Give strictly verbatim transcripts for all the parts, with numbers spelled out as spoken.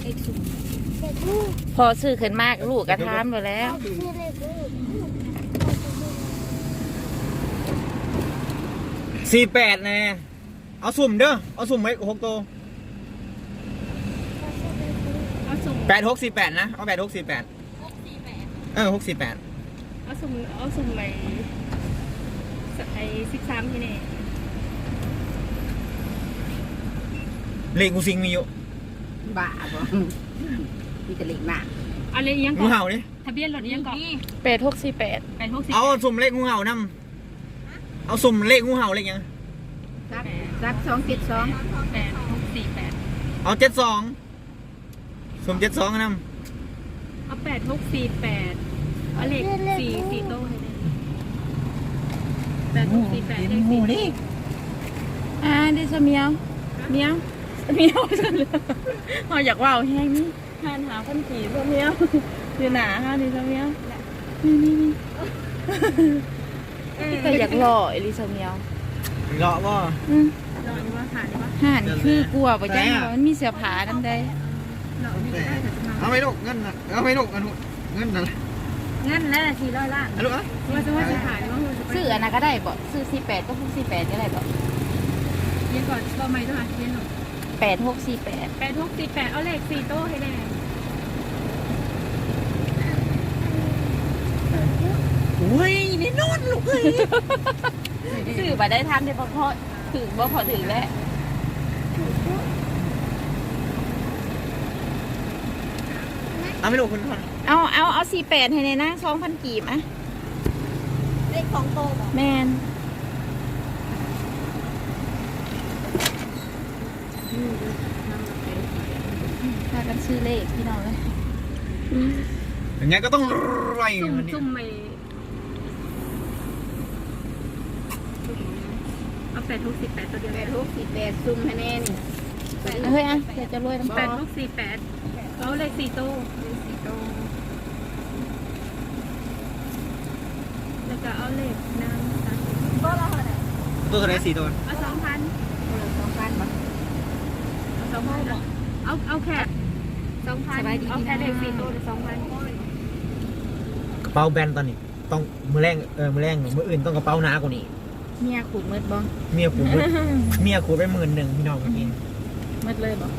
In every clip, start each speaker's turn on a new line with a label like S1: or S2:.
S1: พอซื้อขึ้นมากลูกกระทามไปแล้ว
S2: สี่แปดแน่เอาสุ่มเด้อเอาสุ่มไว้หกตัวแปดหกสี่แปดนะเอาแปดหกสี่แปดเออหกสี่แปด
S3: เอาสุ่มเอาสุ่มไปไอ้สิบสามที่นี่
S2: เลขกูซิงมีอยู่
S4: บ้าบ่มีแต่เลขหน้า
S3: อะไรยัง
S2: งูเห่าดิ
S3: ทะเบียนรถยังก่อน
S1: แปดหกสี่แปด
S3: แปดหกสี่
S2: เอาสุ่มเลขงูเห่านำเอาสุ่มเลขงูเห่าเลขยัง
S4: รักรักสองเจ็ดสอง
S3: แปดหกสี่แปด
S2: เอาเจ็ดสองสุ่มเจ็ดสองน
S3: ำเอาแปดหกสี่แปดเอาเลขสี่สี่โต้ให้ได้แปดหกสี่แปดเลขสี่ดิ
S1: อ่าดิสเมียวเมียวเมียวจังเลยพออยากว่าวแห้งนี่ทานหาพันกี่สเมียวคือหนาฮะดิสเมียวนี่นี่นี่ก็อยากหล่อเอลิสเมียว
S2: เลาะบ่
S1: อืม
S3: หล่อนี่ว่าหานี่ว่า
S1: ห่านคือกลัวป่ะจ้ามันมีเสื้อผ้านั่นได้
S2: เอาไม่ลูกเงินเอาไม่ลูกเงินเงินนั่น
S3: เงินแล้วสี่ร้อยล้าน
S2: เอาลูกอ่ะ
S3: ว่าจะว่าจะขายว่า
S1: ซื้ออันนั้นก็ได้บ่ซื้อสี่แปดก็พวกสี่แปดก็ได้บ่
S3: เยังก่อนก็ไม่ต้องหาเทียนหรอก
S1: แปดหกสี่แปด
S3: แปดหกสี่แปดเอาเลขสี่โต้ให้ได้
S2: โอ้ยนี่นอนลูกเอ้ย
S1: ซื้อมาได้ทันได้พอพอถึงบ่พอถึงแล้ว
S2: เอาไม่ลูกคุณพ่อ
S1: เอาเอาเอาสี่แปดให้ในนะสองพันกีบอ่ะ
S4: เลขของโต
S1: แมนพากันซื้อเลขพี่น้องเลย
S2: อย่างเงี้ยก็ต้องไร
S3: ซุ่มซุ่มไปเอาแปดหกสี่แปดตัวเดียว
S4: แปดหกสี่แปดซุ่มให้แน่นี่
S1: เฮ้ยอ่ะเดี๋ยวจะรวยน้ำ
S3: แปดหกสี่แปดเอาเลขสี่โต้เลขสี่โต้แล้วก็เอาเลขน้ำตา
S4: ก็เราเท่าไหร่
S2: ตัวเท่าไหร่สี่ตัว
S3: เอาสองพัน
S4: สองพันบ่
S3: เอาสองพันเอาเอาแค่สองพันเอาแค่เลขสี่โต้สองพัน
S2: กระเป๋าแบนตอนนี้ต้องมือแรงเออมือแรงมืออื่นต้องกระเป๋าหนากว่านี้
S1: เมียขูดมืดบ้อง
S2: เมียขูดเมียขูดไปหมื่นหนึ่งพี่น้องกิน
S1: มืดเลยบ้อง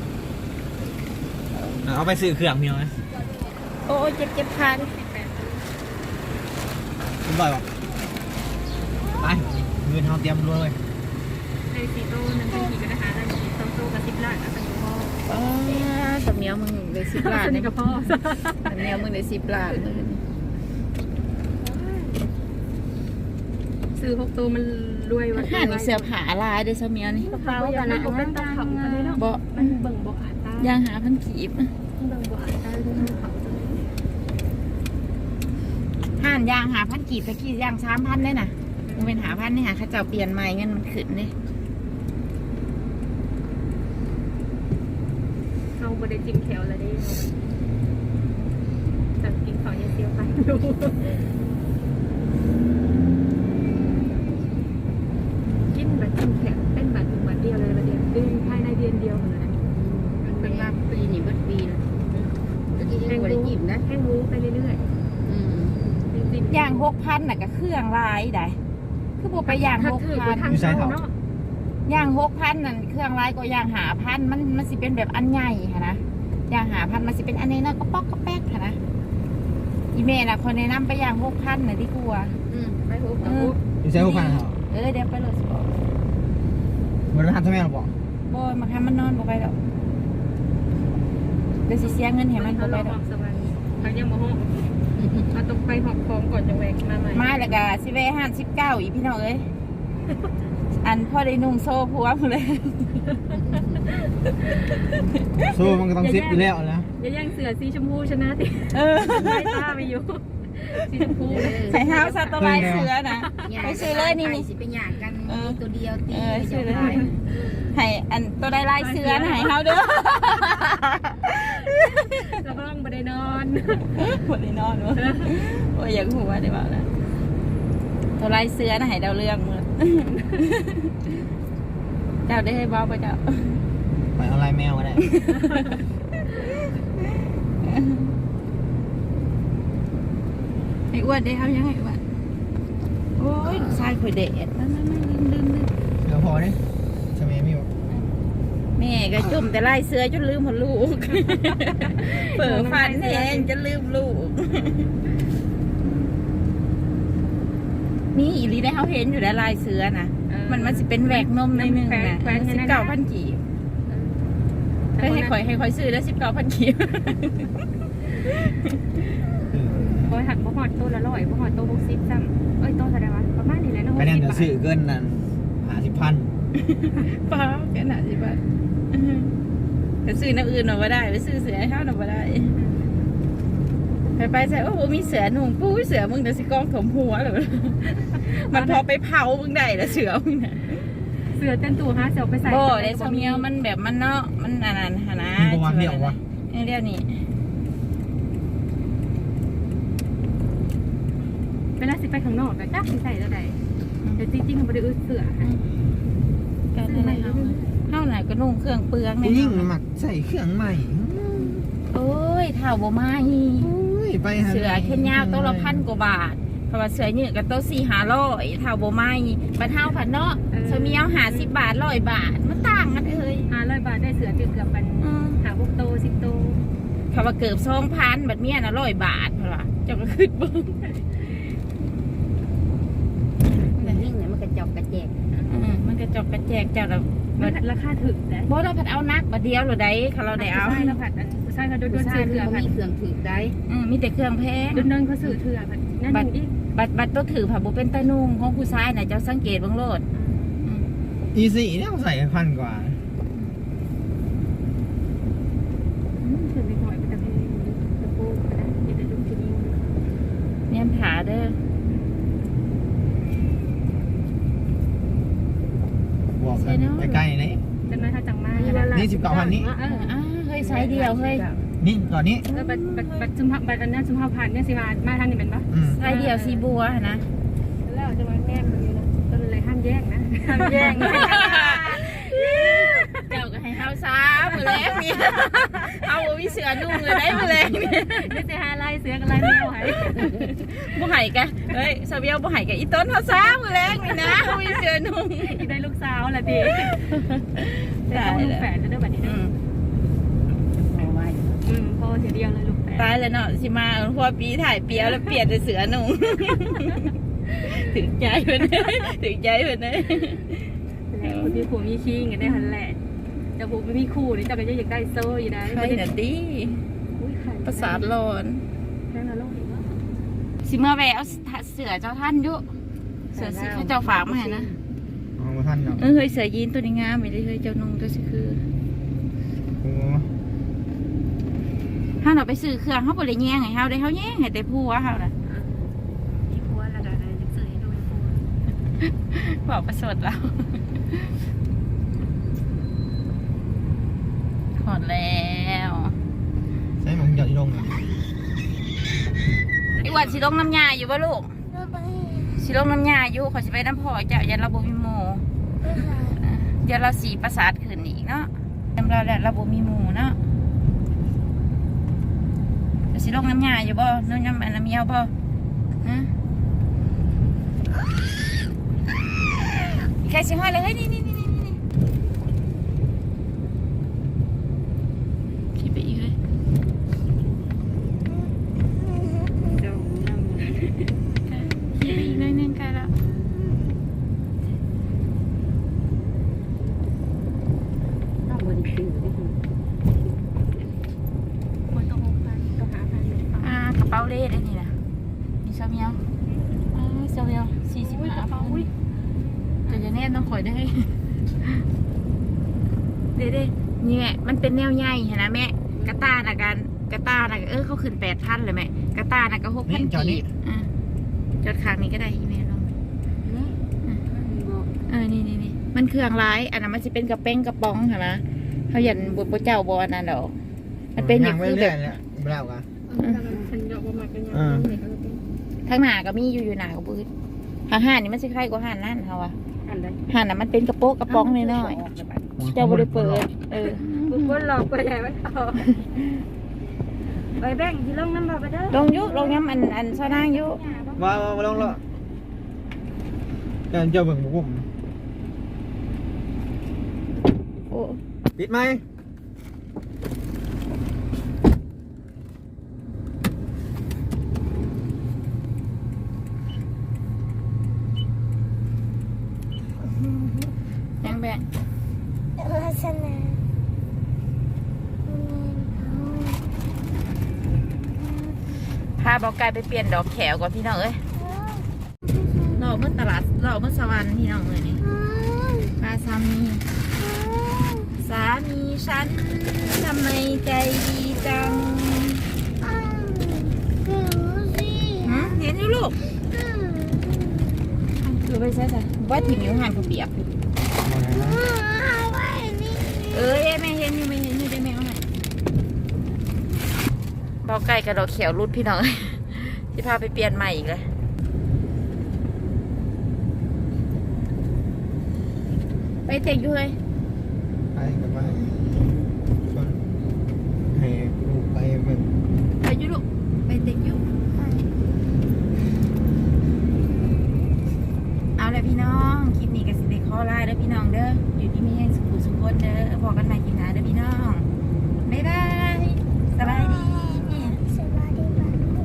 S2: เอาไปซื้อเครื่องพี่น้องไหม
S1: โอ้เจ็บเจ็บขาดิ
S2: คุณบ่อยบอกไปเงินเราเตรียมรวยเลย
S3: ในสี่โต้หนึ่งเป็นกี่กันนะคะแล้วสองโต้กับสิบล้านอ่ะเป็นพ่อ
S1: อ๋อสเมียวมึงเลยสิบล้าน
S3: นี่กับพ่อ
S1: สเมียวมึงเลยสิบล้านเลย
S3: ซื้อหกตัวมันรวยวัน
S1: ห่านี่เสื้อผ้าลายเด้อสเมียวนี่
S3: กระเป๋ากันนะเป็นตาขับกันเลยเนาะ
S1: บ่
S3: มันเบิ่งบ่อาตา
S1: ย่างหาพันกีบ
S3: เบิ่งบ่อาตาเรื่องเขา
S1: ห่านย่างหาพันกีบไปกี่ย่างสามพันได้น่ะมันเป็นหาพันนี่หาข้าเจ้าเปลี่ยนใหม่เงินมันขึ้นเลย
S3: เขาบริจิมแถวอะไรได้สั่งกินขอยาเซียวไปดูกินแบบจิมแถวเป็นแบบถึงวันเดียวเลยวันเดียวดื้อภายในเดือนเดียวเหมือนกัน
S4: เป็นลาปีนี่เบิดปีนะตะกี้ยังบ่ได้จิ้มนะ
S3: แห้งรู้ไปเรื่อย
S1: ๆย่างหกพันน่ะก็เครื่องลายได้คือบ่ไปย่างหกพันย่างหกพันนั่นเครื่องลายก็ย่างหาพันมันมันสิเป็นแบบอันใหญ่ค่ะนะย่างหาพันมันสิเป็นอันนี้น้อยก็ป๊อกก็แป๊กค่ะนะอีเมน่ะคนแนะนำไปย่างหกพันน่ะที่กลัว
S4: อืมไปหกพัน
S2: ใช่หกพันเหรอ
S1: เออเดี๋ยวไปเลยสิบอก
S2: มันทำทำไมหรอบอก
S1: บ่มาทำมันนอนบ่ไปดอกเดี๋ยวสิเสียเงินให้มันบ่ไปดอก
S3: เขายังบ่ห้องเราต้องไปหอบของก่อนจะแหวกมาใหม่
S1: มาแล้วก็สิเวห้าสิบเก้าอีพี่น้องเอ้ยอันพ่อได้นุ่งโซ่ผัวเลย
S2: โซ่มันก็ต้องซิปอยู่แล้วนะ
S3: อย่าแย่งเสือสีชมพูชนะติเออไม่ตาไปอยู่สีชมพู
S1: ใส่เท้าซาตไลเสือนะไปซื้อเลยนี่
S4: นี่สิไปหย่างกันตัวเดียวตี
S1: ซื้อเลยให้อันตัวได้ลายเสือนะให้เขาเด้อ
S3: จะต้องบ่ได้นอน
S1: บ่ได้นอนวะโอ้ยอยากหัวได้บ่าวนะตัวลายเสือนะให้ดาวเรื่องมือเจ้าได้ให้บ้าไปเจ้า
S2: ไปเอาลายแมวก็ได้
S1: อ้วนได้เฮายังไงอ้วนโอ้ยลูกชายข่อยเด็ดนั่นๆๆลืมๆ
S2: เดี๋ยวพอเนี่ยใช่ไหมมิว
S1: แม่ก็จุ่มแต่ไล่เสือจนลืมหมดลูก เปิดฟันแทงจะลืมลูก นี่อีลีได้เขาเห็นอยู่แล้วลายเสือนะมันมันสิเป็นแหวกนมในหนึ่งนะสิบเก้าพันกีบให้ให้คอยให้คอยซื้อแล้วสิบเก้าพันกีบ
S3: โอ้ยหักบ่หอดโตละร้อยบ่หอดโตหกสิบซ้ำเอ้ยโตเท่าไหร่วะประมาณนี้แหละเนาะห
S2: คะ
S3: ก
S2: แนน
S3: สิบ
S2: จะ
S3: บาท
S2: ซื้อเกินนั่นห้าสิบพัน
S1: เปล่าแค่ไหนสิบ้าไปซื้อน้ำอื่นหน่อยก็ได้ไปซื้อเสือให้เขาหน่อยก็ได้ไปไปใส่โอ้โหมีเสือหนุ่มปุ้ยเสือมึงเดี๋ยวสิกองถมหัวเลย มันพอไปเผามึงได้แล้วเสือมึงนะ
S3: เสือเต้นตัวฮะเสือไปใส่
S1: โบ่ได้สมียวมันแบบมันเนาะมันอันนั้นหนะ
S2: มีประมาณเดียววะ
S1: เรียวนี่
S3: เวลาสิไปข้างนอกก็จักสิใส่แล้วใดแต่จริงๆมันบ่ได้อึดเสือ
S1: กันอะไรเฮาเฮาไหนก็นุ่งเครื่องเปลือง
S2: ผู้หญิงหมักใส่เครื่องใหม่
S1: โอ้ยเท่าบ่มาฮี
S2: โอ้ยไปหา
S1: เสือแค่ยาวโต๊ะละพันกว่าบาทเพราะว่าเสือยืดก็โต๊ะสี่ห้าร้อยเท่าบ่มาฮีปันเท่าพันเนาะสมียวหาสิบบาทร้อยบาทมันต่างกันเอ้ย
S3: ห้าร้อยบาทได้เสือเกือบๆปันหาพวกโตสิบโต
S1: เขาว่าเกือบสองพันบัดเมียน่ะร้อยบาทเพราะว่าเจ้าก็ขึ้นเบิ่ง
S4: มันวิ่งเนี่ยมันกระจอกกระแจก
S1: อืมมันก็จอกกระแจกเจ้าละ
S3: มันราคาถึกแต่
S1: บ่เราผัดเอานักบัดเดียวหรือใดเขาเราได้เอา
S3: ใช่แล้วผัดอันใช่ค่ะโดน
S4: ผู้
S3: ๆ
S4: ชาย
S3: ซื้อ
S4: มัน
S3: เถื่อผัด
S4: มีเครื่องถือได้
S1: อืมมีแต่เครื่องแพง
S3: โดนๆเขาซื้อเถื่อผัดนั่นอีก
S1: บัดบัดตัวถือผับบุเป็นตานุ่งของผู้ชายน่ะเจ้าสังเกตเบ้างโลด
S2: อีสี่เนี่ยใส่พันกว่า
S3: ถือไปหน่อยเป็นตะเพงตะปูก็ได้อย่าได้ดูทีนี้
S1: เนี่ยผาเด้อ
S2: บอกกันใกล้ๆนี่
S3: จำนวนถ้าจังมาก
S2: นี่สิบเก้าพันนี้
S1: อ่าอ่าเฮ้ยไซส์เดียวเฮ้ย
S2: นี่ก่อนนี้
S3: เออบัตรบัตรบัตรจุมพบัตรอันนี้จุมพผ่านเนี่ยสิมามาทางนี้เป็นปะ
S2: อืม
S1: ไซส์เดียวสีบัวนะ
S3: แล้วจะมาแน่นเลยนะก็เลยห้ามแย่งนะ
S1: ทำแย่งเจ้าก็ให้เฮาซ้ามือแรงนี่เอาบ่มีเสือนุ่งเลยได้มือแรงนี่
S3: นี่จะหาลายเสือกับลายแมวหาย
S1: บ่ไห้กะเฮ้ยสาวเบียวบ่ไห้กะอีต้นเฮาซ้ามือแรงนี่นะบ่มีเสือนุ่ง
S3: อีกได้ลูกสาวละดีแต่ต้องลูกแฝดจะได้บัตรนี้
S1: อื
S3: นะ
S1: ม
S4: เอาไว้
S3: อืมพอเสียเดียวเลยลูกแฝด
S1: ตายแล้วเนาะสิมาพอปีถ่ายเปียวแล้วเปลี่ยนเป็นเสือนุ่งถึงใจเพิ่นถึงใจเพิ่นเด้
S3: แล้วคนที่ผัวมีขี้กันได้หันแหละจะผัวไม่มีคู่นี่จะก็ยังอยากได้โซ่อยู่ได้
S1: ใครน่ะดีประสาทร้อน
S3: แค่นั้นโลกอีกว่า
S1: สิเมื่อแวเอาเสือเจ้าท่านอยุเสือสิเขาเจ้าฝากมาให้นะ
S2: เอามาท่านเนาะ
S1: เออเฮ้ยเสือยีนตัวนี้งามไปเลยเฮ้ยเจ้านุ่งตัวสิคือ
S2: โอ้
S1: ถ้าเราไปซื้อเครื่องเขาบริแย่งให้เขาได้เขาแย่งให้แต่ผัวเขาน่ะ
S3: ที่ผัวละกันนะจะเสือให้ดูผัว
S1: บอกประสดเราถอดแล้ว
S2: ใช่หมองหยอดอีลง
S1: ไอ้หวัดสิลงน้ำยาอยู่ป่ะลูกสิลงน้ำยาอยู่ขอสิไปน้ำพอเจ้ายันเราบ่มีหมูเดี๋ยวเราสีประสาทขึ้นอีกเนาะจำเราแล้วเราบ่มีหมูเนาะสิลงน้ำยาอยู่บ่น้ำยาอันน้ำเมียวบ่ฮะใครสิห้อยเลยเฮ้ยนี่นี่นี่นี่นี่ขี่ไปอีกเลย
S3: เจ้านั่ง
S1: ขี่ไปอีกหน่อยหนึงใกล้แล้ว
S4: ต้องบริสุทธิ์ได้คุณ
S3: คนต้องหกพันต้องหาพันหนึ่ง
S1: อ่ากระเป๋าเล่ได้นี่นะมีซาเมียวอ่าซาเมียวสี่สิบห้าพันแต่จะแน่ต้องคอยได้ เด้เด้นี่แม่มันเป็นแนวใหญ่เห็นนะแม่กระตาน่ะกันกระตาน่ะเออเขาขึ้นแปดพันเลยแม่กระตาน่ะก็หกพันกีบอ่ะจอดขางนี้ก็ได้อีเมลลงเออนี่นี่นี่มันเครื่องร้ายอันนั้นมันจะเป็นกระเป้งกระป๋องเห็นไหมเขาหยันบนเจ้าบอลนั่นดอกมันเป็นอย่างคือแบบ
S2: เนี่ยไม่แล้วกัน
S3: ฉันยอมว่ามันเป็นอย่างนี้
S1: ทางหน้าก็มีอยู่อยู่หน้าก็บืดหาห่านนี่มันสิคล้ายกว่าห่านนั่นเขาอะ
S3: อันใด
S1: ห่านน่ะมันเป็นกระโปงกระป๋องน้อยๆเจ้าบริเปิดเออ
S3: บุกบนหลอกไปใหญ่ไม่พอไปแบ่งที่ลงน้ำบ่ไปเด้อ
S1: ลงยุลงย้ำอันอันซอนางยุ
S2: มามามาลองละการเจ้าเบิ่งบุ้ม
S1: โอ้
S2: ปิดไหม
S1: ยังแบ่งพาบอกไก่ไปเปลี่ยนดอกแขวก่อนพี่น้องเอ้ยเราเมื่อตลาดเราเมื่อสวรรค์พี่น้องเลยนี่พาสามีสามีฉันทำไมใจดีจังฮะเห็นอยู่ลูกคือไปใช่ใช่ว่าถิ่มอยู่หันผู้เปียกเอ้ยไม่เห็นอยู่ไม่เห็นอยู่ได้ไหมเอาไหนบอกไก่กับดอกเขียวรุดพี่น้อง ที่พาไปเปลี่ยนใหม่อีกเลยไปเตะอยู่เลย
S2: ไปกับไปคนให้ลูกไปเบิ่ง
S1: ไปอยู่ลูกไปเตะอยู่เอาเลยพี่น้องคลิปนี้ก็สิเด็กข้อไล่เด้อพี่น้องเด้ออยู่ที่มีแห่งสุขุสุขคนเด้อพอกันใหม่คลิปหน้าเด้อพี่น้องบ๊ายบาย